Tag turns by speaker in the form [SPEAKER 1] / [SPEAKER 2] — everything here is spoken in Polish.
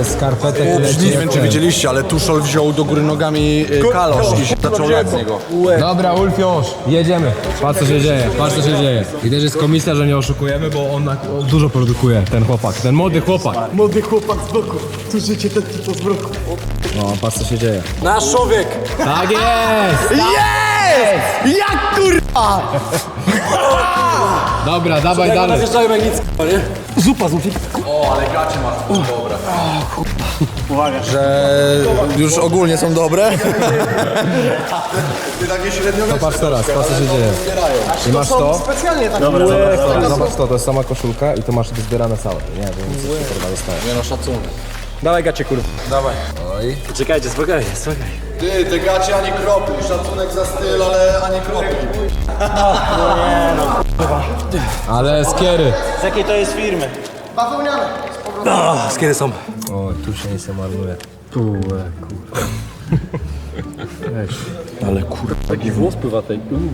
[SPEAKER 1] Ze skarpetek leci.
[SPEAKER 2] Nie wiem, czy widzieliście, ale Tuszol wziął do góry nogami kalosz i się zaczął lać z niego.
[SPEAKER 1] Dobra, Ulfiusz, jedziemy. Patrz co się dzieje, patrz co się dzieje. I też jest komisja, że nie oszukujemy, bo on dużo produkuje, ten chłopak, ten młody chłopak.
[SPEAKER 3] Młody chłopak z boku. Tu życie ten typ z boku.
[SPEAKER 1] No, patrz co się dzieje.
[SPEAKER 3] Nasz człowiek!
[SPEAKER 1] Tak jest!
[SPEAKER 3] Jest! Jak kurwa!
[SPEAKER 1] Dobra, dawaj dalej.
[SPEAKER 3] Najeżdżałem jak nic, nie? Zupa z łuki.
[SPEAKER 2] O, ale gacie masz dobre.
[SPEAKER 3] Uwaga.
[SPEAKER 2] Że już ogólnie są dobre. Ty takie średnio
[SPEAKER 1] To patrz teraz, patrz co się dzieje. I masz to.
[SPEAKER 3] Specjalnie tak.
[SPEAKER 1] Zobacz to jest sama koszulka i to masz zbierane całe. Nie, więc kurwa dostaję.
[SPEAKER 2] Nie no, szacunek.
[SPEAKER 3] Dawaj gacie kurwa.
[SPEAKER 2] Dawaj.
[SPEAKER 1] Oj.
[SPEAKER 3] Czekajcie, spokojnie, spokojnie.
[SPEAKER 2] Ty, te gacie ani kropli. Szacunek za styl, ale ani kropli.
[SPEAKER 1] Ale skiery.
[SPEAKER 3] Z jakiej to jest firmy?
[SPEAKER 2] Bawełniane.
[SPEAKER 3] Z kiedy są?
[SPEAKER 1] O, tu się nic nie marnuje.
[SPEAKER 3] Ale kurwa, taki włos pływa tej.